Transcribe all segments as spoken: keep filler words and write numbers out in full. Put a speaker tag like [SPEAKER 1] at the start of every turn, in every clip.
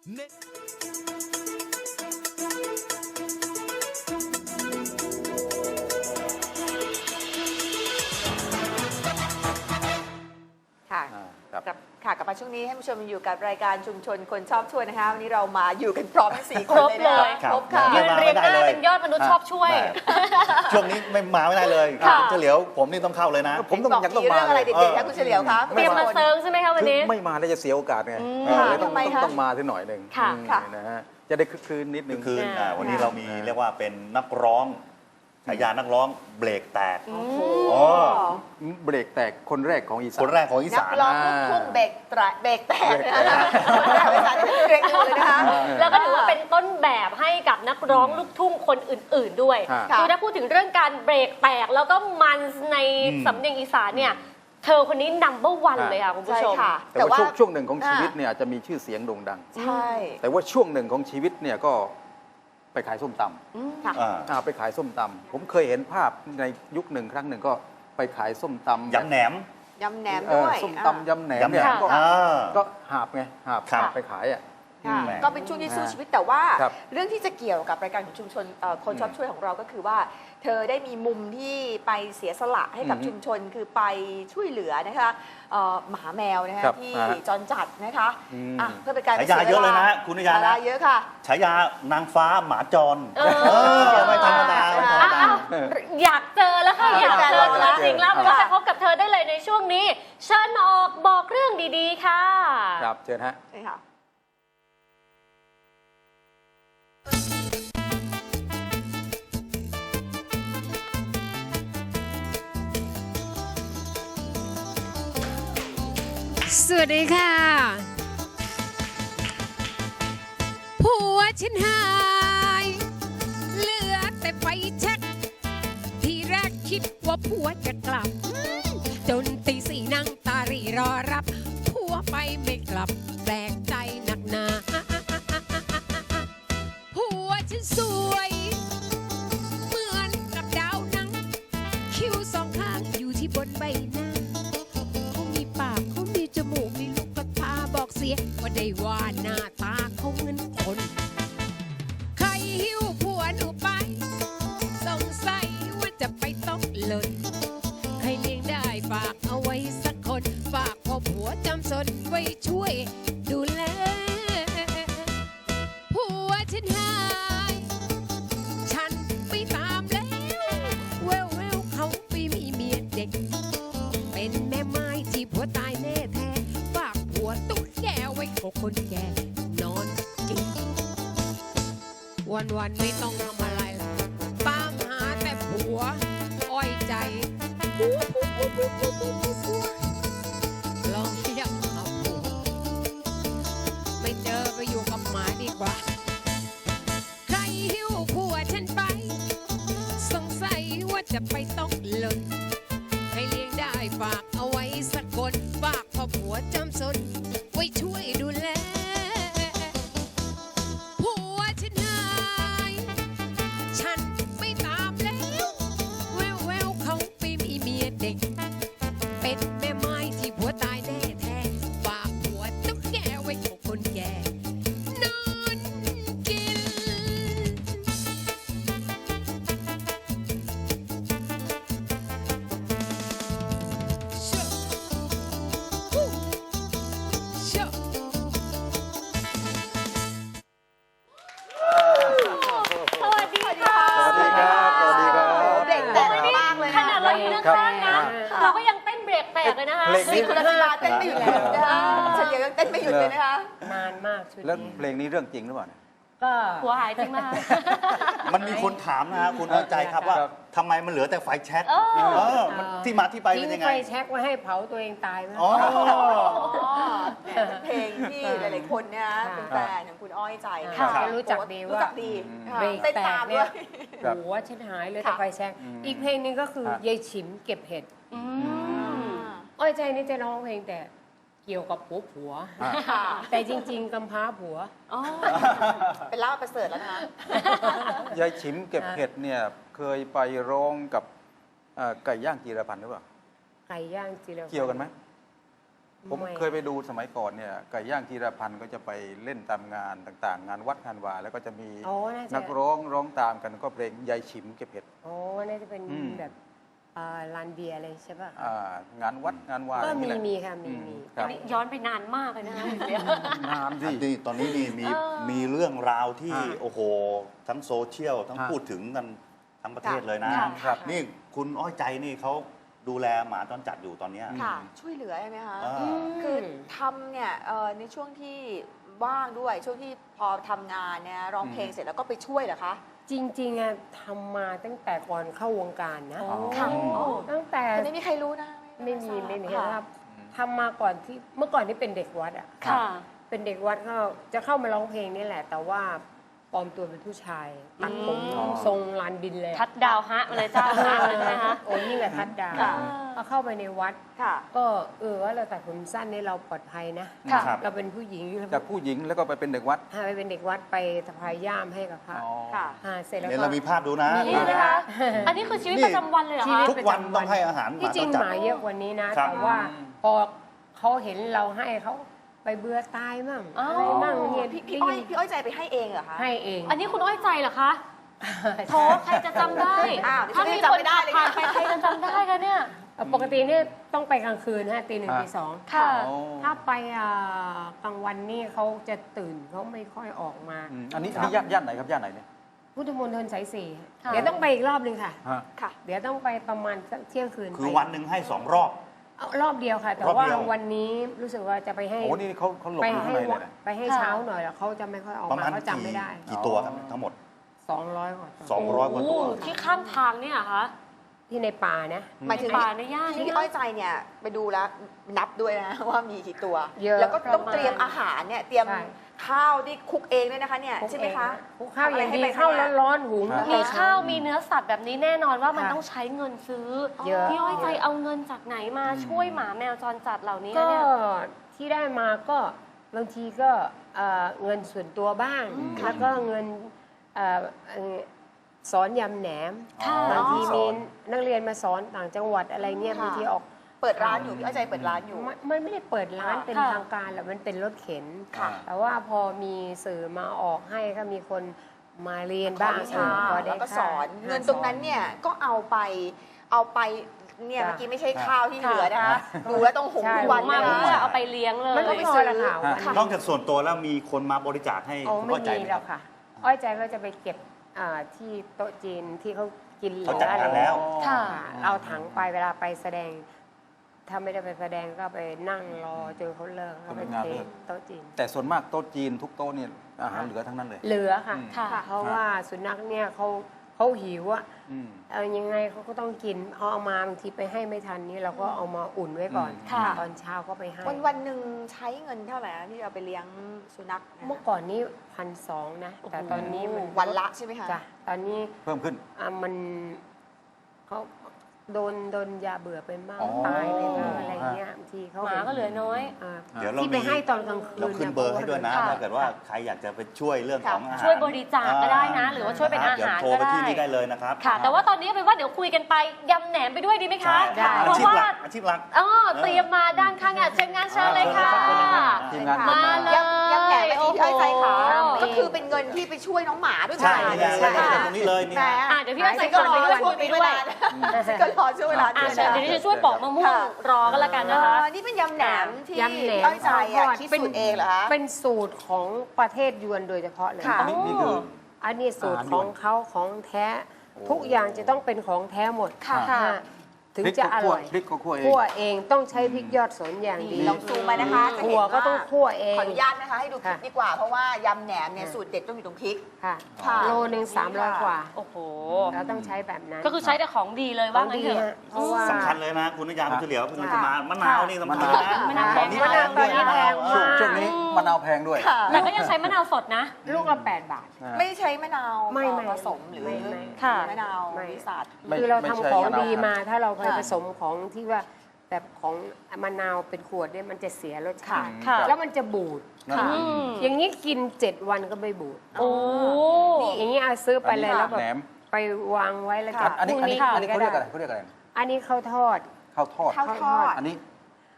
[SPEAKER 1] เน็ต
[SPEAKER 2] ค่ะ
[SPEAKER 3] อ่าครับ
[SPEAKER 2] กับค่ะกลับมาช่วงนี้ให้ผู้ชมอยู่กับรายการชุมชนคนชอบช่วยนะคะวันนี้เรามาอยู่กันพร้อมทั้งสี่คนเลยนะคะ
[SPEAKER 4] ครบเลย
[SPEAKER 2] ครบค่ะ
[SPEAKER 4] ยืนเรียงหน้า
[SPEAKER 1] ไม่ได้เลย
[SPEAKER 4] เป็นยอดมนุษย์ชอบช่วย
[SPEAKER 1] ช่วงนี้ไม่มาไม่ได้เลย
[SPEAKER 4] ค่ะ
[SPEAKER 1] คุณเฉลียวผมนี่ต้องเข้าเลยนะ
[SPEAKER 3] ผมต้อง
[SPEAKER 2] บอก
[SPEAKER 3] ยังต้อง
[SPEAKER 2] มี
[SPEAKER 3] มา
[SPEAKER 2] เรื่องอะไร
[SPEAKER 3] เลย
[SPEAKER 2] เด็ดๆคะคุณเฉลียวคะ
[SPEAKER 4] เตรียมมาเซิร์งใช่ไหมคะวัน
[SPEAKER 3] คือ
[SPEAKER 4] นี้
[SPEAKER 3] ไม่มาแล้วจะเสียโอกาสไง
[SPEAKER 4] อืม
[SPEAKER 3] เออเลยต้อง
[SPEAKER 2] ทำไม
[SPEAKER 3] ต้อง
[SPEAKER 2] คะ
[SPEAKER 3] ต้องมาที่หน่อยหนึ่ง
[SPEAKER 4] ค่ะ
[SPEAKER 3] อืม
[SPEAKER 2] ค่ะ
[SPEAKER 3] นะฮะจะได้คึกคืนนิดนึง
[SPEAKER 1] คืน
[SPEAKER 4] อ่า
[SPEAKER 1] อ่าวันนี้เรามีเรียกว่าเป็นนักร้องฉายานักร้องเบรกแตก
[SPEAKER 2] โอ้โห
[SPEAKER 1] อ๋อ
[SPEAKER 3] เบรกแตกคนแรกของอีสาน
[SPEAKER 1] คนแรกของอี
[SPEAKER 2] นั
[SPEAKER 1] สาก น
[SPEAKER 2] ร้องลูกทุ่งเบรกแตะเบรกแตกนะคะคนแรกของอีสานที่เบรกอยู่เลยนะคะ
[SPEAKER 4] แล้วก็ถือว่าเป็นต้นแบบให้กับนักร้องลูกทุ่งคนอื่น ๆด้วย
[SPEAKER 3] ค่ะ
[SPEAKER 4] คือถ้าพูดถึงเรื่องการเบรกแตกแล้วก็มันใน
[SPEAKER 1] อืม
[SPEAKER 4] สำเนียงอีสานเนี่ย เธอคนนี้นัมเบอร์วันเลยค่ะคุณผู้
[SPEAKER 2] ใช่
[SPEAKER 4] ชม
[SPEAKER 2] ค่ะ
[SPEAKER 3] แต่ว่าช่วงช่วงหนึ่งของชีวิตเนี่ยจะมีชื่อเสียงโด่งดัง
[SPEAKER 2] ใช่
[SPEAKER 3] แต่ว่าช่วงหนึ่งของชีวิตเนี่ยก็ไปขายส้มต
[SPEAKER 2] อืมค่ะ
[SPEAKER 1] อ่า
[SPEAKER 3] ำอ่าไปขายส้มตำผมเคยเห็นภาพในยุคหนึ่งครั้งหนึ่งก็ไปขายส้มตำ
[SPEAKER 1] ยำแหนม
[SPEAKER 2] ยำแหนม
[SPEAKER 3] เอ
[SPEAKER 2] ด้
[SPEAKER 3] อ
[SPEAKER 2] วย
[SPEAKER 3] ส้มตำยำแหนม
[SPEAKER 1] ยำแหน
[SPEAKER 3] เนี่ย
[SPEAKER 1] ม
[SPEAKER 3] ก็
[SPEAKER 1] อ่า
[SPEAKER 3] ก็หาบไงหาบ
[SPEAKER 1] ครับ
[SPEAKER 3] ไปขายอ่ะ
[SPEAKER 2] ค่ะ
[SPEAKER 1] อืม
[SPEAKER 2] ก็เป็นช่วงที่สู้ชีวิตแต่ว่า
[SPEAKER 3] ครับ
[SPEAKER 2] เรื่องที่จะเกี่ยวกับรายการของชุมชนเอ่อคนชอบช่วยของเราก็คือว่า เธอได้มีมุมที่ไปเสียสละให้กับ
[SPEAKER 3] อือฮึ
[SPEAKER 2] ชุมชนคือไปช่วยเหลือนะคะเอ่อหมาแมวนะคะ
[SPEAKER 3] ครับ
[SPEAKER 2] ที่
[SPEAKER 3] อ่า
[SPEAKER 2] จรจัดนะคะ
[SPEAKER 3] อืม
[SPEAKER 2] อ่ะเพื่อเป็นการ
[SPEAKER 1] ฉายาเยอะเลยนะคุณนิยานะ
[SPEAKER 2] ฉายาเยอะค่ะ
[SPEAKER 1] ฉายานางฟ้าหมาจร
[SPEAKER 4] เออ
[SPEAKER 1] เออไม่ธรรมดาไม่ธรรม
[SPEAKER 4] อ้า
[SPEAKER 1] ดา
[SPEAKER 4] วอยากเจอแล้วค่ะ
[SPEAKER 2] อ่า
[SPEAKER 4] อยากเจอ
[SPEAKER 2] อยาก
[SPEAKER 4] ตัว
[SPEAKER 2] เจอ
[SPEAKER 4] จริงแล้ว
[SPEAKER 2] ค่ะ
[SPEAKER 4] เราจะพบกับเธอได้เลยในช่วงนี้เชิญออกบอกเรื่องดีๆค่ะ
[SPEAKER 3] ครับเชิญฮะ
[SPEAKER 2] ใช่ค่ะ
[SPEAKER 5] สวัสดีค่ะ ผัวฉันหาย เหลือแต่ไฟแช็กที่แรกคิดว่าผัวจะกลับ จนตีสี่นั่งตารีรอรับ ผัวไปไม่กลับแปลกใจหนักหนา ผัวฉันสวย เหมือนกับดาวหนัง คิ้วสองข้างอยู่ที่บนใบหน้า เขามีปากเขามีจมูก มีลูกกระตาบอกเสียว่าได้ว่าหน้าตาเขาเหมือนคน ใครหิ้วผัวหนูไป สงสัยว่าจะไปตกหล่นใครเลี้ยงได้ฝากเอาไว้สักคน ฝากพ่อผัวจำสนไว้ช่วยดูแล ผัวฉันหาย ฉันไปตามแล้วแววแววๆเขาไปมีเมียเด็ก เป็นแม่ไม้ที่ผัวตายแน่แท้ฝากผัวตุ๊กแกไว้กับคนแก่นอนกิน วันวันๆไม่ต้องทำอะไรหรอกตามหาแต่ผัว อ้อยใจผัวผัวผัวผัวผัวผัวผัวผัวลองเรียกหาผัว ไม่เจอไปอยู่กับหมาดีกว่า ใครหิ้วผัวฉันไป สงสัยว่าจะไปต้องหล่น ให้เลี้ยงได้ฝากเอาไว้สักคนฝากพ่อผัวจำสนไว้ช่วยดูแล ผัวฉันหาย ฉันไม่ตามแล้ว แววแววๆเขาไปมีเมียเด็ก เป็นแม่ไม้ที่ผัวตายแน่แท้ฝากผัวตุ๊กแกไว้กับคนแก่นอนกิน
[SPEAKER 4] สวัสดีค่ะ
[SPEAKER 3] สวัสดีครับสวัสดีครับ
[SPEAKER 2] เบรกแตกมากเลย
[SPEAKER 4] ขนาดเราอยู่
[SPEAKER 3] ครับ
[SPEAKER 4] ข้างๆนะ เราก็ยังเต้นเบรกแตกเลยนะคะ
[SPEAKER 3] เพลงนี้
[SPEAKER 2] นี่คุณรัชมาเต้นไม่หยุดเลยนะคะเฉลียวยังเต้นไม่หยุดเลยนะคะ
[SPEAKER 6] นานมากชุด
[SPEAKER 3] แล้ว
[SPEAKER 6] นี้
[SPEAKER 3] เพลงนี้เรื่องจริงหรือเปล่าเนี่ย
[SPEAKER 6] ก็
[SPEAKER 4] หัวหายจริงมาก
[SPEAKER 1] มันมีคนถามนะฮะคุณเข้าใจครับว่า
[SPEAKER 3] ครับ
[SPEAKER 1] ทำไมมันเหลือแต่ไฟแช็ก
[SPEAKER 4] เออ
[SPEAKER 1] เออมันที่มาที่ไป
[SPEAKER 6] ทิ้
[SPEAKER 1] เป็น
[SPEAKER 6] ง
[SPEAKER 1] ยังไง
[SPEAKER 6] ไฟแช็กไว้ให้เผาตัวเองตายไหม
[SPEAKER 1] อ๋อ
[SPEAKER 2] เนี่ยเป็นเพลงที่หลายๆคนเนี่ยนะเป็นแฟนของคุณอ้อยใจ
[SPEAKER 6] ค่ะ
[SPEAKER 1] ครับ
[SPEAKER 6] จะรู้จักดี
[SPEAKER 2] รู้
[SPEAKER 6] ว่า
[SPEAKER 2] จักดีค่ะ
[SPEAKER 6] เบรก
[SPEAKER 2] เต้น
[SPEAKER 6] แต
[SPEAKER 2] ตาก ม
[SPEAKER 6] เนี่
[SPEAKER 2] ด้วย ย
[SPEAKER 3] ครับ
[SPEAKER 6] หัวฉันหายเลย
[SPEAKER 2] ค่ะ
[SPEAKER 6] แต่ไฟแช็ก
[SPEAKER 3] อืม
[SPEAKER 6] อีกเพลงหนึงก็คือ
[SPEAKER 3] ครับ
[SPEAKER 6] ยายฉิมเก็บเห็ด
[SPEAKER 4] อืม
[SPEAKER 6] อ้อยใจนี่จะร้องเพลงแต่เกี่ยวกับผัวผัว
[SPEAKER 3] อ่า
[SPEAKER 2] ค่ะ
[SPEAKER 6] แต่จริง ๆกำพร้าผัว
[SPEAKER 2] อ๋อเป็นล่าบประเสริฐแล้วนะคะ
[SPEAKER 3] ยายฉิมเก็บเห็ดเนี่ยเคยไปร้องกับเอ่อไก่ย่างจีรพันธ์หรือเปล่า
[SPEAKER 6] ไก่ย่างจีรพัธ์
[SPEAKER 3] เกี่ยวกันไหมผม
[SPEAKER 5] ไม่
[SPEAKER 3] เคยไปดูสมัยก่อนเนี่ยไก่ย่างจีรพันธ์ก็จะไปเล่นตามงานต่างๆ งานวัดงานวาแล้วก็จะมี
[SPEAKER 5] อ๋อน่าจะ
[SPEAKER 3] นักร้องร้องตามกันก็เพลงยายฉิมเก็บเห็ด
[SPEAKER 5] โอ้น่าจะเป็น
[SPEAKER 3] อืม
[SPEAKER 5] แบบอ่าลานเบียร์อะไรใช่ป่ะ
[SPEAKER 3] อ่างานวัดงานวา
[SPEAKER 5] ก็
[SPEAKER 3] อะไรนี่
[SPEAKER 5] มี
[SPEAKER 3] แหละ
[SPEAKER 5] มีค่ะมี
[SPEAKER 3] อื
[SPEAKER 5] มี
[SPEAKER 3] ครับ
[SPEAKER 4] นี่ย้อนไปนานมากเลยนะคะ
[SPEAKER 3] นานสิ
[SPEAKER 1] นี่ตอนนี้นี่มี
[SPEAKER 4] เออ
[SPEAKER 1] มีเรื่องราวที่
[SPEAKER 3] อ่า
[SPEAKER 1] โอ้โห ทั้งโซเชียลทั้ง
[SPEAKER 3] อ่า
[SPEAKER 1] พูดถึงกันทั้งประเทศเลยนะ
[SPEAKER 2] ค่ะ
[SPEAKER 3] ครับ
[SPEAKER 1] นี่คุณอ้อยใจนี่เขาดูแลหมาจรจัดอยู่ตอนเนี้ย
[SPEAKER 2] ค่ะ ช่วยเหลือใช่ไหมคะ
[SPEAKER 1] อ่า
[SPEAKER 2] คือทำเนี่ยเอ่อในช่วงที่ว่างด้วยช่วงที่พอทำงานเนี่ยร้องเพลงเสร็จแล้วก็ไปช่วยเหรอคะ
[SPEAKER 5] จริงๆอะทำมาตั้งแต่ก่อนเข้าวงการนะ
[SPEAKER 3] อ๋อ
[SPEAKER 2] ค่ะ
[SPEAKER 5] ตั้งแต่
[SPEAKER 2] แต่ไม่มีใครรู้นะ
[SPEAKER 5] ไม่มีไม่มี
[SPEAKER 2] ค่ะ
[SPEAKER 5] ครับทำมาก่อนที่เมื่อก่อนที่เป็นเด็กวัดอ่ะ
[SPEAKER 4] ค่ะ
[SPEAKER 5] เป็นเด็กวัดก็จะเข้ามาร้องเพลงนี่แหละ แต่ว่าปลอมตัวเป็นผู้ชายตัดผม
[SPEAKER 3] อ๋อ
[SPEAKER 5] ทรงลานบินเลย
[SPEAKER 4] ทัดดาวฮะมาเลยเจ้าฮะเลยใช่ไหมคะ
[SPEAKER 5] โอ้ยิ่งกับทัดดาว
[SPEAKER 2] ค่ะ
[SPEAKER 5] พอเข้าไปในวัด
[SPEAKER 2] ค่ะ
[SPEAKER 5] ก็เออว่าเราตัดผมสั้นนี่เราปลอดภัยนะ
[SPEAKER 2] ค่ะ
[SPEAKER 1] ครับ
[SPEAKER 5] เราเป็นผู้หญิง
[SPEAKER 3] จากผู้หญิงแล้วก็ไปเป็นเด็กวัด
[SPEAKER 5] พาไปเป็นเด็กวัดไปสะพายย่ามให้กับพระ
[SPEAKER 3] อ๋อ
[SPEAKER 2] ค่ะ
[SPEAKER 5] อ่าเสร็จแล้ว
[SPEAKER 1] เนี่ย
[SPEAKER 5] ก็
[SPEAKER 1] เรามีภาพดูนะ
[SPEAKER 4] นี่นะคะ อันนี้คือชีวิตประจำวันเลยเหรอ
[SPEAKER 5] ชีวิ
[SPEAKER 4] คะ
[SPEAKER 5] ต
[SPEAKER 1] ทุกวันต้องให้อาหารห
[SPEAKER 5] ที่
[SPEAKER 1] มา
[SPEAKER 5] จ
[SPEAKER 1] จ
[SPEAKER 5] ริง
[SPEAKER 1] ร
[SPEAKER 5] ห
[SPEAKER 1] จัด
[SPEAKER 5] มาเยอะกว่านี้นะ
[SPEAKER 1] ครับ
[SPEAKER 5] แต่ว่าพอเขาเห็นเราให้เขาไปเบื่อตายมั่ง
[SPEAKER 4] อ๋ออ
[SPEAKER 5] อะไรมั่งเนี่ย
[SPEAKER 2] พี่
[SPEAKER 5] พี่
[SPEAKER 2] พี่อ้อยพี่อ้อยใจไปให้เองเหรอคะ
[SPEAKER 5] ให้เอง
[SPEAKER 4] อันนี้คุณอ้อยใจเหรอคะโถใครจะจำได้
[SPEAKER 2] อ้าว
[SPEAKER 4] ถ้ามี
[SPEAKER 2] จำ
[SPEAKER 4] ค
[SPEAKER 2] ไม่
[SPEAKER 4] น
[SPEAKER 2] ได้เลย
[SPEAKER 4] ผ่านไปใครจะจำได้กันเนี่ย
[SPEAKER 5] เอ่อปกติเนี่ยต้องไปกลางคืนฮะตีหนึ่ง
[SPEAKER 3] อ่า
[SPEAKER 5] ตีสอง
[SPEAKER 4] ค่ะ
[SPEAKER 3] อ๋อ
[SPEAKER 5] ถ้าไปอ่ากลางวันนี่เขาจะตื่นเขาไม่ค่อยออกมา
[SPEAKER 3] อืมอันนี้อันนี้ย่านย่านไหนครับย่านไหนเนี่ย
[SPEAKER 5] พุทธมณฑลสายสี่
[SPEAKER 4] ค่ะ
[SPEAKER 5] เดี๋ยวต้องไปอีกรอบหนึ่งค่ะ
[SPEAKER 3] ฮะ
[SPEAKER 2] ค่ะ
[SPEAKER 5] เดี๋ยวต้องไปประมาณสักเที่ยงคืน
[SPEAKER 1] คือ
[SPEAKER 5] ไป
[SPEAKER 1] วันหนึ่งให้สองรอบ
[SPEAKER 5] เอารอบเดียวค่ะ แต่
[SPEAKER 1] รอบ
[SPEAKER 5] ว่า
[SPEAKER 1] เดียว
[SPEAKER 5] วันนี้รู้สึกว่าจะไปให้
[SPEAKER 3] โอ้นี่เขาเขาหลบ
[SPEAKER 5] ไป
[SPEAKER 3] อยู่ข้าง
[SPEAKER 5] ให้
[SPEAKER 3] ในเล
[SPEAKER 5] วัด
[SPEAKER 3] ยนะ
[SPEAKER 5] ไปให้
[SPEAKER 4] ค่ะ
[SPEAKER 5] เช้าหน่อยแล้วเขาจะไม่ค่อยออก
[SPEAKER 1] ประ
[SPEAKER 5] มา
[SPEAKER 1] มาณ
[SPEAKER 5] เขาจำไม่ได้
[SPEAKER 1] กี่ตัวครับทั้งหมด
[SPEAKER 5] สองร้อยกว่าตัว
[SPEAKER 1] สองร้อยกว่าตัว
[SPEAKER 4] โอ้ที่ข้างทางเนี่ยเหรอคะ
[SPEAKER 5] ที่ในป่านะ
[SPEAKER 2] หมายถึง
[SPEAKER 4] ป่าในย่าน
[SPEAKER 2] ที่
[SPEAKER 4] นี่
[SPEAKER 2] พี่อ้อยใจเนี่ยไปดูแล้วนับด้วยนะ ว่ามีกี่ตัว
[SPEAKER 5] เยอะ
[SPEAKER 2] แล้วก็ต้อง
[SPEAKER 4] ประมาณ
[SPEAKER 2] เตรียมอาหารเนี่ยเตรียม
[SPEAKER 5] ใช่
[SPEAKER 2] ข้าวที่คุกเองด้วยนะคะเนี่ย
[SPEAKER 5] คุก
[SPEAKER 2] ใช่ไหมคะ
[SPEAKER 5] เองนคุกข้าวอย่างดี
[SPEAKER 2] ทำอะไรให้ไป
[SPEAKER 5] ข้าว
[SPEAKER 2] เนี่ย
[SPEAKER 5] ร้อนๆหุง
[SPEAKER 3] ครับ
[SPEAKER 4] มีข้าวมีเนื้อสัตว์แบบนี้แน่นอนว่ามัน
[SPEAKER 5] ค่ะ
[SPEAKER 4] ต้องใช้เงินซื้อ
[SPEAKER 5] เยอะ
[SPEAKER 4] พี่อ้อยใจเอาเงินจากไหนมาช่วยหมาแมวจรจัดเหล่านี้
[SPEAKER 5] ก็
[SPEAKER 4] เนี่ย
[SPEAKER 5] ที่ได้มาก็บางทีก็เอ่อเงินส่วนตัวบ้าง แล้วก็เงินเอ่อเอ่อสอนยำแหนม
[SPEAKER 4] ค่ะ
[SPEAKER 5] บางที
[SPEAKER 1] ส
[SPEAKER 5] มี
[SPEAKER 1] อน
[SPEAKER 5] นักเรียนมาสอนต่างจังหวัดอะไรเนี่ย
[SPEAKER 2] ค่ะ
[SPEAKER 5] บางทีออก
[SPEAKER 2] เปิดร้านอยู่พี่อ้อยใจเปิดร้านอยู่
[SPEAKER 5] มันมันไม่ได้เปิดร้าน
[SPEAKER 2] ค่ะ
[SPEAKER 5] เป็น
[SPEAKER 4] ค่ะ
[SPEAKER 5] ทางการหรอกมันเป็นรถเข็น
[SPEAKER 1] ค่ะ
[SPEAKER 5] แต่ว่าพอมีสื่อมาออกให้ก็มีคนมาเรียนบ้าง
[SPEAKER 2] วิชา
[SPEAKER 5] พอได้
[SPEAKER 2] แล้วก็
[SPEAKER 5] ค่า
[SPEAKER 2] สอน
[SPEAKER 5] ค่า
[SPEAKER 2] เงินตรงนั้นเนี่ยก็เอาไปเอาไปเนี่ย
[SPEAKER 5] จ้ะ
[SPEAKER 2] เมื่อกี้ไม่ใช่ข้าวที่เหลือนะคะ
[SPEAKER 5] ค่ะ
[SPEAKER 2] ดูแล้วต้องหุง
[SPEAKER 5] ใช่
[SPEAKER 2] ทุกวัน
[SPEAKER 4] มา
[SPEAKER 2] เลย
[SPEAKER 4] เพื่อ
[SPEAKER 2] นะ
[SPEAKER 4] เอาไปเลี้ยงเลย
[SPEAKER 5] มันก็
[SPEAKER 2] ไป
[SPEAKER 5] ไม่พ
[SPEAKER 2] ซื้
[SPEAKER 5] อ
[SPEAKER 2] อ
[SPEAKER 5] ละค่ะ
[SPEAKER 1] ฮะ
[SPEAKER 5] วันนี้
[SPEAKER 1] นอกจากส่วนตัวแล้วมีคนมาบริจาคให้
[SPEAKER 5] อ๋อ
[SPEAKER 1] คุณ
[SPEAKER 5] ไม่
[SPEAKER 1] อ้อยใจ
[SPEAKER 5] มี
[SPEAKER 1] ไหม
[SPEAKER 5] หร
[SPEAKER 1] ครั
[SPEAKER 5] อบ กค่ะ อ้อยใจก็จะไปเก็บอ่าที่โต๊ะจีนที่เขากินเหลื
[SPEAKER 1] เขา
[SPEAKER 5] อ
[SPEAKER 1] จัด
[SPEAKER 5] อะไร
[SPEAKER 1] การแล้ว
[SPEAKER 4] ค่ะ
[SPEAKER 5] ค่ะเอาถังไปเวลาไปแสดง ถ้าไม่ได้ไปแสดงก็ไปนั่งรอจนเขาเลิก
[SPEAKER 3] จ
[SPEAKER 5] ก็
[SPEAKER 3] น
[SPEAKER 5] ไป
[SPEAKER 3] งาน
[SPEAKER 5] เท
[SPEAKER 3] เลิก
[SPEAKER 5] โต๊ะจีน
[SPEAKER 3] แต่ส่วนมากโต๊ะจีนทุกโต๊ะเนี่ยอาหารเหลือทั้งนั้นเลย
[SPEAKER 5] เหลือค่ะ
[SPEAKER 3] อืม
[SPEAKER 4] ค่ะ
[SPEAKER 5] เพราะว่าสุนัขเนี่ยเขาเขาหิวอะ
[SPEAKER 3] อืม
[SPEAKER 5] เอายังไงเขาก็ต้องกินเขาเอามาบางทีไปให้ไม่ทันนี้เราก็เอามาอุ่นไว้ก่อน
[SPEAKER 4] ค่ะ
[SPEAKER 5] ตอนเช้าก็ไปให้
[SPEAKER 2] วันวันหนึ่งใช้เงินเท่าไหร่นะที่เอาไปเลี้ยงสุนัขนะ
[SPEAKER 5] เมื่อก่อนนี้พันสองนะ แต่ตอนนี้มัน
[SPEAKER 2] วันละใช่ไหมคะ
[SPEAKER 5] จ้ะตอนนี้
[SPEAKER 3] เพิ่มขึ้น
[SPEAKER 5] อ่ะมันเขาโดนโดนยาเบื่อไปบ้าง
[SPEAKER 3] อ๋อ
[SPEAKER 5] ตายไปบ้างอะไรเงี้ยบางทีเขา
[SPEAKER 4] หมาก็เหลือน้อย
[SPEAKER 5] อ่า
[SPEAKER 1] เดี๋ยวเรา
[SPEAKER 5] ที่ไป
[SPEAKER 1] มี
[SPEAKER 5] ให้ตอนกลางคืน
[SPEAKER 1] เราขึ้นเบอร์ให้ด้วยนะ
[SPEAKER 4] ค่ะ
[SPEAKER 1] ถ้าเกิดว่าใครอยากจะไปช่วยเรื่องของอาหาร
[SPEAKER 4] ช่วยบริจาคก็ได้นะหรือว่าช่วยเป็นอาหาร
[SPEAKER 1] เดี๋ยวโทรไป
[SPEAKER 4] ก็ได้
[SPEAKER 1] ที่นี่ได้เลยนะครับ
[SPEAKER 4] ค่ะ แต่ว่าตอนนี้เป็นว่าเดี๋ยวคุยกันไปยำแหนมไปด้วยดีไหมคะ
[SPEAKER 1] ใช่
[SPEAKER 4] เพ
[SPEAKER 1] อา
[SPEAKER 4] ราะ
[SPEAKER 1] ชีพ
[SPEAKER 4] ว่า
[SPEAKER 1] หลักอาชีพหลัก
[SPEAKER 4] อ๋อเตรียมมาด้านข้างอ่ะเชิญงานเชิญเลยค่ะ
[SPEAKER 1] เชิญเลยครับ
[SPEAKER 3] ทีมงาน
[SPEAKER 4] มาเลย
[SPEAKER 2] ยำยำแหนมแบบนี้พี่อ้อยใจขา
[SPEAKER 4] โอ้โห
[SPEAKER 2] ก็คือเป็นเงินที่ไปช่วยน้องหมาด้วย
[SPEAKER 1] ใช่
[SPEAKER 2] ไหม
[SPEAKER 1] นี่ไง
[SPEAKER 2] ใช่
[SPEAKER 1] แล้วตรงนี้เลยนี่
[SPEAKER 2] แหม
[SPEAKER 4] อ่ะเดี๋ยวพี่อ้อยใจ
[SPEAKER 2] ก็
[SPEAKER 4] ก่อน
[SPEAKER 2] รอ
[SPEAKER 4] ไปด้วย
[SPEAKER 2] ช่วงนี้เวลาก็รอช่วงเวลา
[SPEAKER 4] อ่ะ
[SPEAKER 2] เดียว
[SPEAKER 4] เดี๋ยว
[SPEAKER 2] นะ
[SPEAKER 4] ดิฉันช่วยปอกมะม่วงรอกันละกันนะคะ
[SPEAKER 2] เออนี่เป็นยำแหนมที่
[SPEAKER 5] ยำแหนม
[SPEAKER 2] อ้อยใจอ่ะ
[SPEAKER 5] ทอด
[SPEAKER 2] คิด
[SPEAKER 5] เป็น
[SPEAKER 2] สูตรเองเหรอคะ
[SPEAKER 5] เป็นสูตรของประเทศยวนโดยเฉพาะเลย
[SPEAKER 2] ค่ะ
[SPEAKER 3] อันนี้นี่คือ
[SPEAKER 5] อันนี้สูตร
[SPEAKER 3] อาหาร
[SPEAKER 5] ข
[SPEAKER 3] ย
[SPEAKER 5] อ
[SPEAKER 3] วน
[SPEAKER 5] งเขาของแท้
[SPEAKER 3] โอ้
[SPEAKER 5] ทุกอย่างจะต้องเป็นของแท้หมด
[SPEAKER 2] ค่ะ
[SPEAKER 5] อ่าถึง
[SPEAKER 3] พริก
[SPEAKER 5] จะ
[SPEAKER 3] ก็
[SPEAKER 5] อ
[SPEAKER 3] คั่ว
[SPEAKER 5] ร่อย
[SPEAKER 3] พริกก็คั่วเอง
[SPEAKER 5] คั่วเองต้องใช้พริกยอดสนอย่างดี
[SPEAKER 2] ลองซูมมานะคะจะเห็น
[SPEAKER 5] ถั่วก็ต้องคั่วเอง
[SPEAKER 2] ขออนุญาตนะคะให้ดูพริก
[SPEAKER 5] ค่ะ
[SPEAKER 2] ดีกว่าเพราะว่ายำแหนมเนี่ยสูตรเด็ดต้องอยู่ตรงพริก
[SPEAKER 5] ค่ะ
[SPEAKER 2] ค่ะ
[SPEAKER 5] โลหนึ่งสามร้อยกว่า
[SPEAKER 4] โอ้โห
[SPEAKER 5] เราต้องใช้แบบนั้น
[SPEAKER 4] ก็คือใช้แต่ของดีเลย
[SPEAKER 5] ขอ
[SPEAKER 4] ว่าง งั้น
[SPEAKER 5] ดี
[SPEAKER 4] เถอะ
[SPEAKER 5] ฮะเพราะว่า
[SPEAKER 1] สำคัญเลยนะคุณนิยามคุณเฉลียวคุณ
[SPEAKER 5] ค่ะ
[SPEAKER 1] จะมามะนาวนี่สำคัญนะ
[SPEAKER 4] มะนาว
[SPEAKER 1] ตอนนี้
[SPEAKER 4] มะนาว
[SPEAKER 1] แพงด้วย
[SPEAKER 5] ตอนนี้แพง
[SPEAKER 1] เอ
[SPEAKER 3] ช่วง
[SPEAKER 1] อ
[SPEAKER 3] ช่วงนี้มะนาวแพงด้วย
[SPEAKER 2] ค่ะ
[SPEAKER 4] แต่ก็ยังใช้มะนาวสดนะ
[SPEAKER 5] ลูกละแปดบาท
[SPEAKER 3] นะฮะ
[SPEAKER 2] ไม่ใช้มะนาว
[SPEAKER 5] ไม่ไม่
[SPEAKER 2] ผสมหรือ
[SPEAKER 5] ไม่ไม่
[SPEAKER 4] ค่ะ
[SPEAKER 2] มะนาว
[SPEAKER 5] ไม่
[SPEAKER 2] วิสัท
[SPEAKER 3] ไม่
[SPEAKER 5] คือเรา
[SPEAKER 3] ไม่
[SPEAKER 5] ทำ
[SPEAKER 3] ใช่
[SPEAKER 5] ของ
[SPEAKER 3] มะนาว
[SPEAKER 5] ดีมาถ้าเราไป
[SPEAKER 2] ค่ะ
[SPEAKER 5] ผสมของที่ว่าแบบของมะนาวเป็นขวดเนี่ยมันจะเสียรสชาติ
[SPEAKER 4] ค่ะ
[SPEAKER 5] แล้วมันจะบูด
[SPEAKER 3] นั่น
[SPEAKER 4] อืม
[SPEAKER 5] อย่างนี้กินเจ็ดวันก็ไม่บูด
[SPEAKER 4] โอ้
[SPEAKER 5] อย่างนี้เอาซื้อไปเลยแล้วแบ
[SPEAKER 3] แหน
[SPEAKER 5] บ
[SPEAKER 3] ม
[SPEAKER 5] ไปวางไว้แล้ว
[SPEAKER 3] อั
[SPEAKER 5] จะ
[SPEAKER 3] นอันนี้
[SPEAKER 5] พรุ่ง
[SPEAKER 3] อันนี้อันนี้เขาเรียกอะไร
[SPEAKER 5] ด้
[SPEAKER 3] เขาเรียกอะไร
[SPEAKER 5] อันนี้ข้าวทอด
[SPEAKER 3] ข้าวทอด
[SPEAKER 2] ข้าวทอด
[SPEAKER 3] อันนี้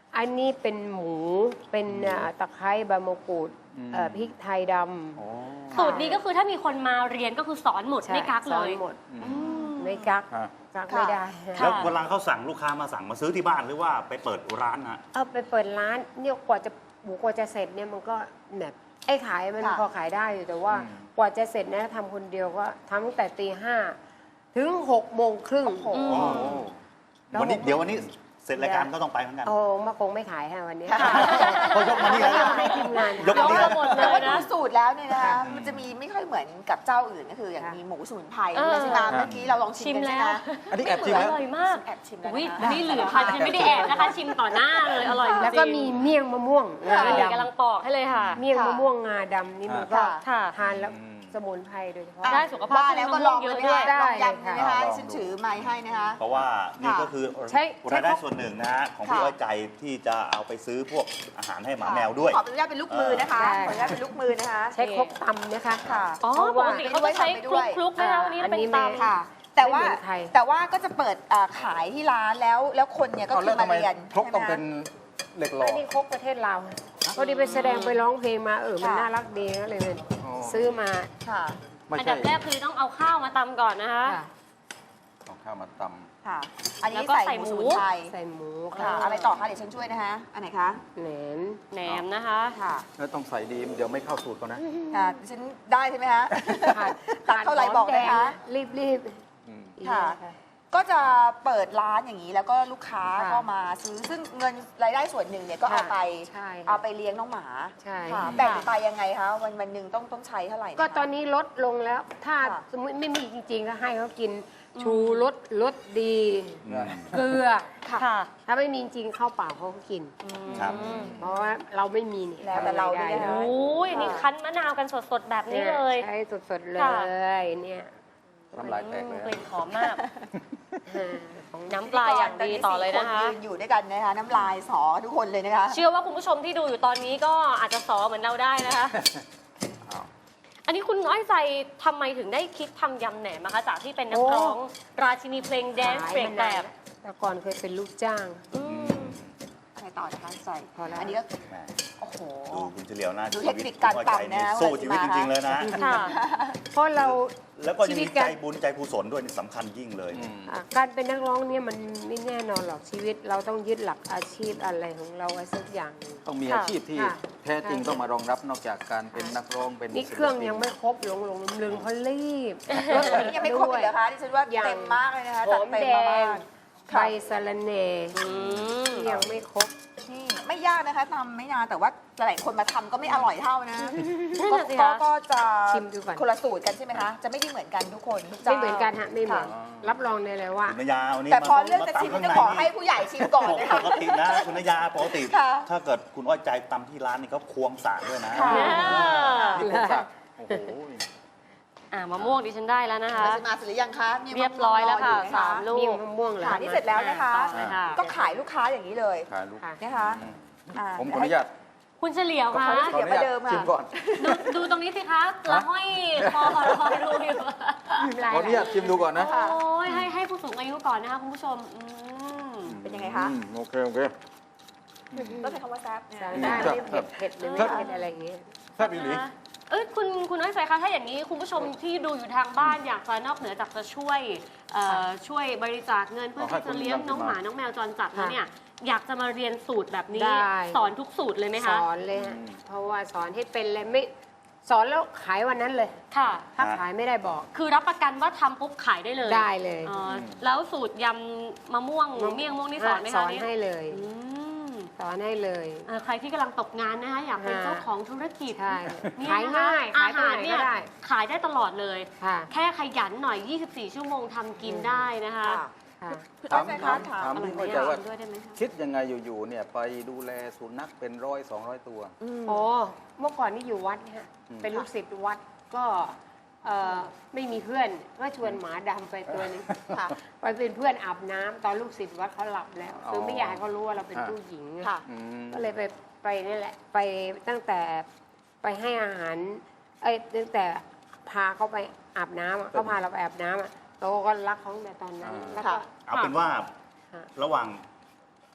[SPEAKER 6] อันนี้เป็นหมูเป็นอ่าตะไคร้ใบมะกรูด
[SPEAKER 3] อืม
[SPEAKER 6] เอ่อพริกไทยด
[SPEAKER 3] โอ้
[SPEAKER 4] สูตรนี้ก็คือถ้ามีคนมาเรียนก็คือสอนหมด
[SPEAKER 6] ำใช่
[SPEAKER 4] ไม่กัก
[SPEAKER 6] ส
[SPEAKER 4] เล
[SPEAKER 6] อน
[SPEAKER 4] ย
[SPEAKER 6] หมด
[SPEAKER 3] อืม
[SPEAKER 4] อืม
[SPEAKER 6] ไม่กัก
[SPEAKER 3] อ่ะ
[SPEAKER 6] กัก
[SPEAKER 2] ค่ะ
[SPEAKER 6] ไม่ได้
[SPEAKER 4] ค่ะ
[SPEAKER 1] แล้วเวลาเขาสั่งลูกค้ามาสั่งมาซื้อที่บ้านหรือว่าไปเปิดร้านฮะ
[SPEAKER 6] เอาไปเปิดร้านเนี่ยกว่าจะหมูกว่าจะเสร็จเนี่ยมันก็แบบไอ้ขายมัน
[SPEAKER 2] ค่ะ
[SPEAKER 6] พอขายได้อยู่แต่ว่า
[SPEAKER 3] อืม
[SPEAKER 6] กว่าจะเสร็จนะทำคนเดียวก็ทำตั้งแต่ตีห้าถึงหกโมงครึ่ง
[SPEAKER 2] โอ้โห
[SPEAKER 4] อืม
[SPEAKER 1] อ๋อ
[SPEAKER 6] แล้ว
[SPEAKER 1] วันนี้เดี๋ยววันนี้เสร็จรายการก็ต้องไปเหมือนกัน
[SPEAKER 6] โอ้มาคงไม่ขายค่ะวันนี้
[SPEAKER 1] เขายกมานี่แล้วนะ
[SPEAKER 6] ให้ทีมงาน
[SPEAKER 1] ยก
[SPEAKER 4] ย
[SPEAKER 1] มาก นี่
[SPEAKER 4] มาหมดเล
[SPEAKER 2] แต่
[SPEAKER 4] ย
[SPEAKER 2] ว่าดู
[SPEAKER 4] นะ
[SPEAKER 2] สูตรแล้วเนี่ยนะคะ
[SPEAKER 6] ค่ะ
[SPEAKER 2] มันจะมีไม่ค่อยเหมือนกับเจ้าอื่นก็คืออย่าง
[SPEAKER 6] ค่ะ
[SPEAKER 2] มีหมูสมุนไพร
[SPEAKER 4] เออ
[SPEAKER 2] ใช่ไหมเมื่อกี้เราลองชิมกันใช่ไหม
[SPEAKER 4] ชิมแล้ว
[SPEAKER 3] อันนี้แอบชิม
[SPEAKER 4] อ
[SPEAKER 3] แล้ว
[SPEAKER 4] ร่อยมาก
[SPEAKER 2] แอบชิมแล้ว
[SPEAKER 4] อุ้ย
[SPEAKER 2] นะคะ
[SPEAKER 4] อันนี้เหลือค่ะฉันไม่ได้แอบนะคะ ชิมต่อหน้าเลยอร่อยจริงๆ
[SPEAKER 6] แล้วก็มีเมี่ยงมะม่วงงา
[SPEAKER 4] นี่
[SPEAKER 6] ด
[SPEAKER 4] กำลังปอกให้เลยค่ะ
[SPEAKER 6] ำเมี่ยงมะม่วงงาดำนี่มันก็
[SPEAKER 4] ค่ะ
[SPEAKER 6] ทานแล้ว
[SPEAKER 3] อืม
[SPEAKER 6] สมุนไพรโดยเฉพาะ
[SPEAKER 4] ได้สุขภาพ
[SPEAKER 2] ว่าแล้วก็ลอง
[SPEAKER 4] เยอะ
[SPEAKER 2] เล
[SPEAKER 4] ด้วย
[SPEAKER 2] ยนะคะลอง
[SPEAKER 6] ได้
[SPEAKER 2] ยำ
[SPEAKER 6] ค่ะ
[SPEAKER 2] เลยนะคะ
[SPEAKER 3] ลองดู
[SPEAKER 2] ฉันถือไม้ให้นะคะ
[SPEAKER 1] เพราะว่านี่ก็คือ
[SPEAKER 6] ใช้
[SPEAKER 1] รายได้
[SPEAKER 6] ใช้
[SPEAKER 1] ส่วนหนึ่งนะฮะของ
[SPEAKER 2] ค่ะ
[SPEAKER 1] พี่อ้อยใจที่จะเอาไปซื้อพวกอาหารให้หมาแมวด้วย
[SPEAKER 2] ขออนุญาตเป็นลูกมือนะคะ
[SPEAKER 6] ได้
[SPEAKER 2] ขออนุญาตเป็นลูกมือนะคะ
[SPEAKER 6] ใช้ครกตำนะคะ
[SPEAKER 2] ค่ะ
[SPEAKER 4] อ๋อ
[SPEAKER 6] เพราะ
[SPEAKER 4] ป
[SPEAKER 6] ว่า
[SPEAKER 4] กติเขาจะใช้คลุกคลุกๆนะคะวันนี้เราเป็นตำ
[SPEAKER 2] ค่ะ แต่ว่า
[SPEAKER 6] ไม่เหมือนใคร
[SPEAKER 2] แต่ว่าก็จะเปิดอ่าขายที่ร้านแล้วแล้วคนเนี่ยก็
[SPEAKER 3] เอา
[SPEAKER 2] คื
[SPEAKER 3] แล้
[SPEAKER 2] อ
[SPEAKER 3] ว
[SPEAKER 2] มา
[SPEAKER 3] ทำไม
[SPEAKER 2] เรียน
[SPEAKER 3] ครกต้อง
[SPEAKER 2] ใช่
[SPEAKER 3] เป็
[SPEAKER 2] ไหม
[SPEAKER 3] น
[SPEAKER 2] คะ
[SPEAKER 3] เหล็กหล่อ
[SPEAKER 6] อันนี้ครกประเทศเราวพอดีไปแสดงไปร้องเพลงมาเออมันน่ารักดีก็เลยเป็น
[SPEAKER 3] อ๋อ
[SPEAKER 6] ซื้อมา
[SPEAKER 2] ค่ะ
[SPEAKER 3] ไม่
[SPEAKER 4] อัน
[SPEAKER 3] ใช่
[SPEAKER 4] ดับแรกคือต้องเอาข้าวมาตำก่อนนะคะ
[SPEAKER 6] ค่ะ
[SPEAKER 3] เอาข้าวมาต
[SPEAKER 2] ค่ะ อันนี้
[SPEAKER 4] แล้วก็
[SPEAKER 2] ใส่
[SPEAKER 4] ใส่
[SPEAKER 2] ห
[SPEAKER 4] หมู
[SPEAKER 2] มูสมุนไพร
[SPEAKER 6] ใส่หมู
[SPEAKER 2] ค่ะ
[SPEAKER 6] ค่ะ
[SPEAKER 2] อะไรต่อคะเดี๋ยวฉันช่วยนะคะ อันไหนคะ
[SPEAKER 6] แหนม
[SPEAKER 4] แหนมนะคะ
[SPEAKER 2] ค่ะ
[SPEAKER 3] ำแล้วต้องใส่ดีเดี๋ยวไม่เข้าสูตรเขานะ
[SPEAKER 2] ค่ะดิฉันได้ใช่ไหมคะ
[SPEAKER 6] ขาด
[SPEAKER 2] ตักเท่าไหร่บอกนะคะ
[SPEAKER 6] รีบรีบ
[SPEAKER 3] อืม
[SPEAKER 6] ๆ
[SPEAKER 2] ค่ะ ก็จะเปิดร้านอย่างนี้แล้วก็ลูกค้า
[SPEAKER 6] ค่ะ
[SPEAKER 2] ก็มาซื้อซึ่งเงินรายได้ส่วนหนึ่งเนี่ยก็เอาไป
[SPEAKER 6] ใช่ค่ะ
[SPEAKER 2] เอาไปเลี้ยงน้องหมา
[SPEAKER 6] ใช่
[SPEAKER 2] ค่ะแบ่งไปยังไงคะวันวันหนึ่งต้องต้องใช้เท่าไหร่นะคะ
[SPEAKER 6] ก็ตอนนี้ลดลงแล้ว ถ้า
[SPEAKER 2] ค่ะ
[SPEAKER 6] สมมติไม่มีจริงๆก็ให้เขากินชูรสรสดี เกลือ
[SPEAKER 4] ค่ะ
[SPEAKER 6] ถ้าไม่มีจริงข้าวเปล่าเขาก็กิน
[SPEAKER 1] ครับ
[SPEAKER 6] เพราะว่าเราไม่มีนี่
[SPEAKER 2] แล้วแต่เรา
[SPEAKER 6] ทำอะไร
[SPEAKER 2] ด้วย
[SPEAKER 6] ได้
[SPEAKER 2] นะคะ
[SPEAKER 4] โอ้ยนี่คั้นมะนาวกันสดๆแบบนี้เลย
[SPEAKER 6] ใช้สดๆเล
[SPEAKER 4] ค่ะ
[SPEAKER 6] ยเนี่ย
[SPEAKER 3] น้ำลายแตกเลย
[SPEAKER 4] กลิ่นหอมมาก
[SPEAKER 6] เออของ
[SPEAKER 4] น้ำปลาอย่างดีต่อเลยนะคะ
[SPEAKER 2] ตอสี่ยืนอยู่ด้วยกันนะคะ น้ำลายสอทุกคนเลยนะคะ
[SPEAKER 4] เชื่อว่าคุณผู้ชมที่ดูอยู่ตอนนี้ก็อาจจะสอเหมือนเราได้นะคะ อันนี้คุณน้อยใจทำไมถึงได้คิดทำยำแหนมนะคะ จากที่เป็นนักร้อง ราชินีเพลงแดนซ์
[SPEAKER 6] ขาย
[SPEAKER 4] เบรก
[SPEAKER 6] มา
[SPEAKER 4] แบ
[SPEAKER 6] นาน
[SPEAKER 4] บ
[SPEAKER 6] แต่ก่อนเคยเป็นลูกจ้าง
[SPEAKER 4] อืม
[SPEAKER 2] อะไรต่อนะคะใส่
[SPEAKER 6] พอแล้ว
[SPEAKER 2] อันนี้ก็
[SPEAKER 1] แหม
[SPEAKER 2] โอ้โห
[SPEAKER 1] ดูคุณเฉลียวนะ
[SPEAKER 2] ดู
[SPEAKER 1] ชีวิต
[SPEAKER 2] เทคนิคการ
[SPEAKER 1] คุณอ้อยใจ
[SPEAKER 2] ตำนะ
[SPEAKER 1] นี่สู้ชีวิต
[SPEAKER 2] ว่า
[SPEAKER 1] จ
[SPEAKER 2] จะมา
[SPEAKER 1] ริง ๆ เลยนะ
[SPEAKER 4] ค่ะ
[SPEAKER 6] เพราะเรา
[SPEAKER 1] แล้วก็ยัง
[SPEAKER 6] ชีวิ
[SPEAKER 1] มี
[SPEAKER 6] ต
[SPEAKER 1] ใจ
[SPEAKER 6] การ
[SPEAKER 1] บุญใจกุศลด้วยนี่สำคัญยิ่งเลย
[SPEAKER 3] อืม
[SPEAKER 6] อ่ะการเป็นนักร้องเนี่ยมันไม่แน่นอนหรอกชีวิต เราต้องยึดหลักอาชีพอะไรของเราไว้สักอย่างหนึ่ง
[SPEAKER 3] ต้องมี
[SPEAKER 4] ค่ะ
[SPEAKER 3] อาชีพที่
[SPEAKER 6] ค่ะ
[SPEAKER 3] แท้จริงต้องมารองรับนอกจากการเป็นนักร้องเป็น
[SPEAKER 6] นี่
[SPEAKER 3] ศิลปิ
[SPEAKER 6] เครื่องยังไม่ครบหลงหลงลืมลืมเขารีบรถติด
[SPEAKER 2] ยังไม่ครบ
[SPEAKER 6] ด้ว
[SPEAKER 2] อีกเหรอคะดิฉันว่า
[SPEAKER 6] ยัง
[SPEAKER 2] เต็มมากเลยนะคะ
[SPEAKER 6] ห
[SPEAKER 2] จั
[SPEAKER 6] อ
[SPEAKER 2] ด
[SPEAKER 6] ม
[SPEAKER 2] เต็ม
[SPEAKER 6] แด
[SPEAKER 2] มาง ก
[SPEAKER 6] ใบสะระแหน่
[SPEAKER 4] อืม
[SPEAKER 6] ที่ยังไม่ครบ
[SPEAKER 2] นี่ไม่ยากนะคะทำไม่นานแต่ว่าหลายคนมาทำก็ไม่อร่อยเท่านะ
[SPEAKER 4] นั่น
[SPEAKER 2] ก็
[SPEAKER 4] น่ะสิ
[SPEAKER 2] ก็
[SPEAKER 4] คะ
[SPEAKER 2] ก็จะ
[SPEAKER 6] ชิมดูก่อน
[SPEAKER 2] คนละสูตรกันใช่ไหมคะ จะไม่ได้เหมือนกันทุกคนทุกเจ้า
[SPEAKER 6] ไม่เหมือนกันฮะไม่เหมือน
[SPEAKER 2] ค่ะ
[SPEAKER 6] รับรองได้เลยว่า
[SPEAKER 1] คุณนยาวันนี้
[SPEAKER 2] แต่พอ
[SPEAKER 1] มา
[SPEAKER 2] เรื่องจะ
[SPEAKER 1] มา
[SPEAKER 2] ชิม
[SPEAKER 1] ตำข้าง
[SPEAKER 2] จะ
[SPEAKER 1] ใน
[SPEAKER 2] ขอให้ผู้ใหญ่ชิมก่อนนะคะ
[SPEAKER 1] ปกตินะคุณนยาปกติ
[SPEAKER 2] ค่ะ
[SPEAKER 1] ถ้าเกิดคุณอ้อยใจตำที่ร้านนี่เขาควงสากด้วยนะ
[SPEAKER 2] ค่ะ
[SPEAKER 4] เนี่ย
[SPEAKER 3] นี่ผมสักโอ้โห
[SPEAKER 4] อ่ามะม่วงดิฉันได้แล้วนะคะ
[SPEAKER 2] เราจะมาเสร็จหรือยังคะมี
[SPEAKER 4] เรียบร้อยแล้วค่ะ
[SPEAKER 2] มะม่งร
[SPEAKER 4] สามลู
[SPEAKER 6] เมี่ยง
[SPEAKER 4] ก
[SPEAKER 6] มะม่วงเหรอ
[SPEAKER 2] ค่ะนี่เสร็จแล้วนะคะ
[SPEAKER 4] ต่อเลยค่ะ
[SPEAKER 2] ก็ขายลูกค้าอย่างนี้เลย
[SPEAKER 3] ขายลูก
[SPEAKER 6] ค่ะ
[SPEAKER 2] นะคะ
[SPEAKER 3] อืม
[SPEAKER 2] อ่า
[SPEAKER 3] ผมขออนุญาต
[SPEAKER 4] คุณเฉลียวคะ
[SPEAKER 2] ขออนุญาต เดี๋ยวประเดิมอะ
[SPEAKER 3] ชิมก่อน
[SPEAKER 4] ดูดูตรงนี้สิคะละห้อยคอรอยรูอยู่
[SPEAKER 3] ขออนุญาตชิมดูก่อนนะ
[SPEAKER 2] ค่ะ
[SPEAKER 4] โอ้ยให้ให้ผู้สูงอายุก่อนนะคะคุณผู้ชมอืม
[SPEAKER 2] เป็นยังไงคะ
[SPEAKER 3] อืมโอเคโอเค
[SPEAKER 2] ต้องใช้คำว่าแซ่บเนี่ย
[SPEAKER 6] สั่งได้ไม่เผ็ดเผ็ดหรือไม่เผ็ดอะไรอย่างเงี้ย
[SPEAKER 3] แซ่บอีหลี
[SPEAKER 4] นะคะเอ้ยคุณคุณน้อยใจคะถ้าอย่างนี้คุณผู้ชมที่ดูอยู่ทางบ้านอยากจะนอกเหนือจากจะช่วยเอ่อช่วยบริจาคเงินเพื่อ
[SPEAKER 3] เอาให้
[SPEAKER 4] ที่จะเลี้ยง
[SPEAKER 3] คุณ
[SPEAKER 4] น้องหมา
[SPEAKER 3] มา
[SPEAKER 4] น้องแมวจรจัดแล้วเนี่ยอยากจะมาเรียนสูตรแบบนี้
[SPEAKER 6] ได้
[SPEAKER 4] สอนทุกสูตรเลยไหม
[SPEAKER 6] ส
[SPEAKER 4] คะ
[SPEAKER 6] อนเลยฮะเพราะว่าสอนให้เป็นเลยไม่สอนแล้วขายวันนั้นเลย
[SPEAKER 4] ค่ะ
[SPEAKER 6] ถ้าขายไม่ได้บอก
[SPEAKER 4] คือรับประกันว่าทำปุ๊บขายได้เลย
[SPEAKER 6] ได้เลย
[SPEAKER 4] อ๋อแล้วสูตรยำมะม่วงเมี่ยงม่วงนี่สอนไหม
[SPEAKER 6] ส
[SPEAKER 4] คะ
[SPEAKER 6] อน
[SPEAKER 4] เนี่ย
[SPEAKER 6] ให้เลย
[SPEAKER 4] อืม
[SPEAKER 6] สอนให้เลย
[SPEAKER 4] เอ่อใครที่กำลังตกงานนะคะอยากเป็น
[SPEAKER 6] ค่ะ
[SPEAKER 4] เจ้าของธุรกิจ
[SPEAKER 6] ใช่
[SPEAKER 4] เนี่ย
[SPEAKER 6] ขาย
[SPEAKER 4] นะคะ
[SPEAKER 6] ง่ายขาย
[SPEAKER 4] อา
[SPEAKER 6] ไป
[SPEAKER 4] หาร
[SPEAKER 6] ไหน
[SPEAKER 4] เนี่
[SPEAKER 6] ก็
[SPEAKER 4] ย
[SPEAKER 6] ได้
[SPEAKER 4] ขายได้ตลอดเลย
[SPEAKER 6] ค่ะ
[SPEAKER 4] แค่ขยันหน่อย ยี่สิบสี่ ชั่วโมงทำกินได้นะคะ
[SPEAKER 2] ค่ะ
[SPEAKER 6] ค่ะ
[SPEAKER 2] คุณอ้อยใจคะถาม
[SPEAKER 3] ถาม
[SPEAKER 4] อร่อย
[SPEAKER 3] พี่
[SPEAKER 4] ไหม
[SPEAKER 3] เข้าใจ
[SPEAKER 4] อ่ะ
[SPEAKER 3] ว่า
[SPEAKER 4] ชิมด้วยได้ไหมคะ
[SPEAKER 3] คิดยังไงอยู่ๆเนี่ยไปดูแลสุนัขเป็นร้อยสองร้อยตัว
[SPEAKER 6] โอ้เมื่อก่อนนี่อยู่วัดฮะ
[SPEAKER 3] อืม
[SPEAKER 6] เป็นลูกศิษย์วัดก็เอ่อไม่มีเพื่อนก็ชวนหมาดำไปตัวหนึง
[SPEAKER 2] ค่ะ
[SPEAKER 6] ไปเป็นเพื่อนอาบน้ำตอนลูกศิษย์วัดเขาหลับแล้ว
[SPEAKER 3] อ๋อ
[SPEAKER 6] คือไม่อยากให้เขารู้ว่าเราเป็น
[SPEAKER 3] อ่า
[SPEAKER 6] ผู้หญิง
[SPEAKER 2] ค่ะ
[SPEAKER 3] อืม
[SPEAKER 6] ก็เลยไปไปนี่แหละ ไปตั้งแต่ไปให้อาหาร เอ้ยตั้งแต่พาเขาไปอาบน้ำอะเขาพาเราไปอาบน้ำอะเราก็รักเขาตั้งแต่ตอนนั้น
[SPEAKER 3] อ่า
[SPEAKER 6] แล้ว
[SPEAKER 2] ค่ะ
[SPEAKER 6] ก็
[SPEAKER 1] เอาเป็นว่า
[SPEAKER 6] ค่ะ
[SPEAKER 1] ระหว่าง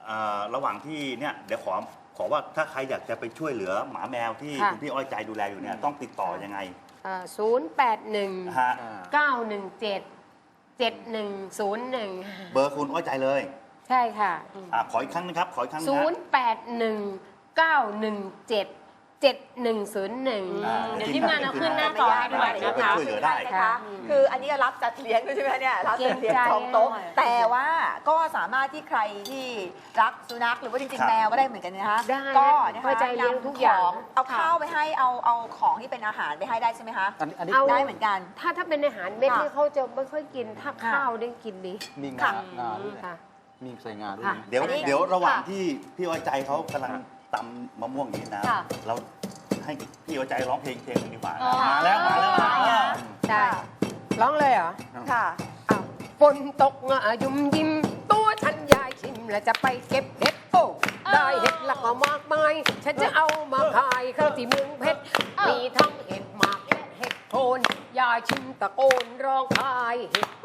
[SPEAKER 1] เอ่อระหว่างที่เนี่ยเดี๋ยวขอขอว่าถ้าใครอยากจะไปช่วยเหลือหมาแมวที่
[SPEAKER 6] ค่ะ
[SPEAKER 1] คุณพี่อ้อยใจดูแลอยู่เนี่ยต้องติดต่อยังไง
[SPEAKER 6] ศูนย์แปดหนึ่ง
[SPEAKER 1] ฮะ
[SPEAKER 6] เก้าหนึ่งเจ็ดเจ็ดหนึ่งศูนย์หนึ่ง
[SPEAKER 1] เบอร์คุณอ้อยใจเลย
[SPEAKER 6] ใช่ค่ะ
[SPEAKER 1] อ่าขออีกครั้งนะครับขออีกครั้งนะ
[SPEAKER 6] ศูนย์แปดหนึ่งเก้าหนึ่งเจ็ดเจ็ดหนึ่งศูนย์หนึ่ง
[SPEAKER 1] อ่า
[SPEAKER 4] เดี๋ยวทีมงานเอาขึ้นหน้าจอให้ด้วยนะ
[SPEAKER 1] ไป
[SPEAKER 4] คะ
[SPEAKER 1] ช่วยเหลือได้
[SPEAKER 2] นะคะ คืออันนี้ก็รับจัดเลี้ยงด้วยใช่ไหมเนี่ยรับจัดเลี้ยงจองโต๊ะแต่ว่าก็สามารถที่ใครที่รักสุนัขหรือว่าจริง
[SPEAKER 1] ครับ
[SPEAKER 2] ๆแมวก็ได้เหมือนกันนะคะ
[SPEAKER 6] ได้
[SPEAKER 2] ก็นะคะ
[SPEAKER 6] เข้าใจเลี้ยงทุกอย่าง
[SPEAKER 2] นำขเอาข้าวไปให้เอาเอาของที่เป็นอาหารไปให้ได้ใช่ไหมคะ
[SPEAKER 3] อันนี้อันนี้
[SPEAKER 6] เอา
[SPEAKER 2] ได้เหมือนกัน
[SPEAKER 6] ถ้าถ้าเป็นอาหารเม็ด
[SPEAKER 2] ค่ะ
[SPEAKER 6] นี่เขาจะไม่ค่อยกิน ถ้า
[SPEAKER 2] ค่ะ
[SPEAKER 6] ข้าวได้กินดี
[SPEAKER 3] มีงา
[SPEAKER 2] ค่ะ
[SPEAKER 3] งาด้วย
[SPEAKER 6] ค่ะ
[SPEAKER 3] มีใส่งาด้วย
[SPEAKER 6] ค่ะ
[SPEAKER 3] นะ
[SPEAKER 1] เดี๋ยว
[SPEAKER 2] อันนี้
[SPEAKER 1] เดี๋ยวระหว่าง
[SPEAKER 2] ค่ะ
[SPEAKER 1] ที่พี่อ้อยใจเขากำลังตำมะม่วงอย่างนี้นะ
[SPEAKER 2] ค่ะ
[SPEAKER 1] เราให้พี่อ้อยใจร้องเพลงเพลงหนึ่งดีกว่า
[SPEAKER 4] อ๋อ
[SPEAKER 1] มาแล้วมาแล้วมาแล้ว
[SPEAKER 6] ได้ร้องเลยเหรอ
[SPEAKER 2] ค่ะ
[SPEAKER 6] อ้าวฝนตกงะยุ่มยิ้ม ตัวฉันยายชิม แล้วจะไปเก็บเห็ดโอ้ได้เห็ดแล้วก็มากมาย ฉันจะเอามาขายข้าวที่เมืองเพชรมีทั้งเห็ดหมากและเห็ดโคนยายชิมตะโกนร้องขายเห็ด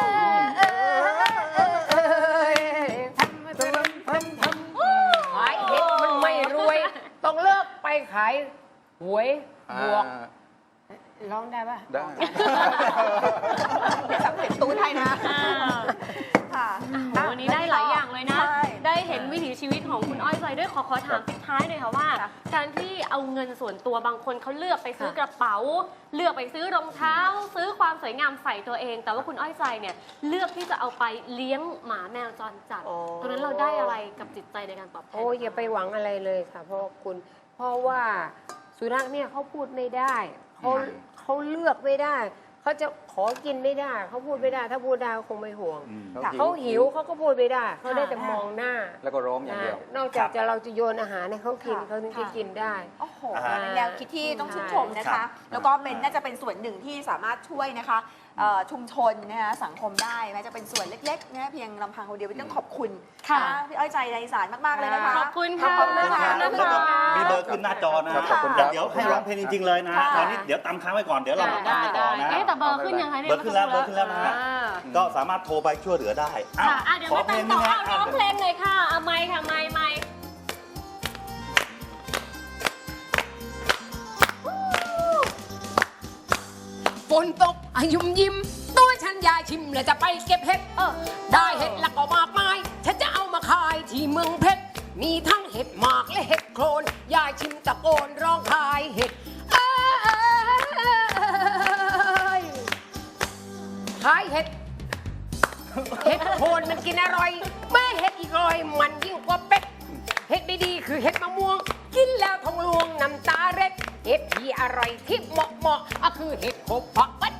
[SPEAKER 6] ทำทำทำทำขายเห็ดมันไม่รวย ต้องเลิกไปขายหวยบวก
[SPEAKER 3] อ่า
[SPEAKER 6] ร้องได้ปะ
[SPEAKER 3] ได้
[SPEAKER 2] เดี๋ยวสับเผ็ดตูดให้นะ
[SPEAKER 4] อ่า
[SPEAKER 2] ค่ะ
[SPEAKER 4] โอ้โหวันนี้ได้หลายอย่างเลยนะ
[SPEAKER 2] ใช่
[SPEAKER 4] ได้เห็นวิถีชีวิตของคุณอ้อยใจด้วยขอขอถามปิดท้ายหน่อยค่ะว่า
[SPEAKER 2] ค่ะ
[SPEAKER 4] การที่เอาเงินส่วนตัวบางคนเขาเลือกไปซื้อกระเป๋า เลือกไปซื้อรองเท้า ซื้อความสวยงามใส่ตัวเอง แต่ว่าคุณอ้อยใจเนี่ยเลือกที่จะเอาไปเลี้ยงหมาแมวจรจัด
[SPEAKER 6] โอ้
[SPEAKER 4] ตรงนั้นเราได้อะไรกับจิตใจในการตอบแทน
[SPEAKER 6] โอ้ยอย่าไปหวังอะไรเลยค่ะ เพราะว่าคุณ เพราะว่าสุนัขเนี่ยเขาพูดไม่ได้เขา
[SPEAKER 1] อืม
[SPEAKER 6] เขาเลือกไม่ได้เขาจะขอกินไม่ได้เขาพูดไม่ได้ ถ้าพูดได้เขาคงไม่ห่วง
[SPEAKER 1] อืม
[SPEAKER 2] ค่ะ
[SPEAKER 6] เขาหิวเขาก็พูดไม่ได้เขาได้แต่มองหน้า
[SPEAKER 3] แล้วก็ร้องอย่างเดียว
[SPEAKER 6] นะนอกจากจะเราจะโยนอาหารให้เขากิน
[SPEAKER 2] ค่ะ
[SPEAKER 6] เขาถึงจะกินได้
[SPEAKER 2] โอ้โห
[SPEAKER 1] อ่า
[SPEAKER 2] เป็นแนวคิดที่ต้องชื่นชมนะ
[SPEAKER 1] ครั
[SPEAKER 2] คะ
[SPEAKER 1] บ
[SPEAKER 2] แล้วก็เป็นน่าจะเป็นส่วนหนึ่งที่สามารถช่วยนะคะเอ่อชุมชนนะคะสังคมได้แม้จะเป็นส่วนเล็กๆนะเพียงลำพังคนเดียวเป็นต้องขอบคุณ
[SPEAKER 4] ค่ะ
[SPEAKER 2] นพี่อ้อยใจในสารมากๆเลยนะคะ
[SPEAKER 4] ขอบคุณค่ะ
[SPEAKER 2] ขอบคุณ
[SPEAKER 1] ขอบ
[SPEAKER 2] ค่ะ
[SPEAKER 1] คุณครับแล้วก็มีเบอร์ขึ้นหน้าจอนะ
[SPEAKER 3] ขอบคุณครับ
[SPEAKER 1] เดี๋ยวให้ร้องเพลงจริง ๆ เลยนะ
[SPEAKER 2] ค่ะ
[SPEAKER 1] ตอนนี้เดี๋ยวตามค้างไว้ก่อนเดี๋ยวเรามา
[SPEAKER 4] ได้
[SPEAKER 1] ตาม
[SPEAKER 4] ได้
[SPEAKER 1] ต่อนะ
[SPEAKER 4] เอ๊ะแต่เบอร์ขึ้นยังคะเนี่ย
[SPEAKER 1] เบอร์ขึ้นแล้วเบอร์ขึ้นแล้วนะฮะ
[SPEAKER 4] อ่า
[SPEAKER 1] ก็สามารถโทรไปช่วยเหลือได้อ้าว
[SPEAKER 4] ค่ะอ่ะเดี๋ยว
[SPEAKER 1] ขอ
[SPEAKER 4] มา
[SPEAKER 1] เพล
[SPEAKER 4] ตาม
[SPEAKER 1] ง
[SPEAKER 4] ต่
[SPEAKER 1] นึ
[SPEAKER 4] อง
[SPEAKER 1] นะ
[SPEAKER 4] เอาร้องเพลงเลยค่ะเอาไมค์ค่ะไมค์ไมค์
[SPEAKER 5] ฝนตกอายุมยิ้ม ตัวฉันยายชิมแล้วจะไปเก็บเห็ดเออได้เห็ดแล้วก็มากมาย ฉันจะเอามาขายที่เมืองเพชรมีทั้งเห็ดหมากและเห็ดโคนยายชิมตะโกนร้องขายเห็ดเอ้ยขายเห็ด เห็ดโคนมันกินอร่อยแม่เห็ดอีกรอยมันยิ่งกว่าเป็ด เห็ดดีๆคือเห็ดมะม่วง กินแล้วทองลวงน้ำตาเร็ด เห็ดที่อร่อยที่เหมาะเหมาะๆก็คือเห็ดโขบเพาะวัด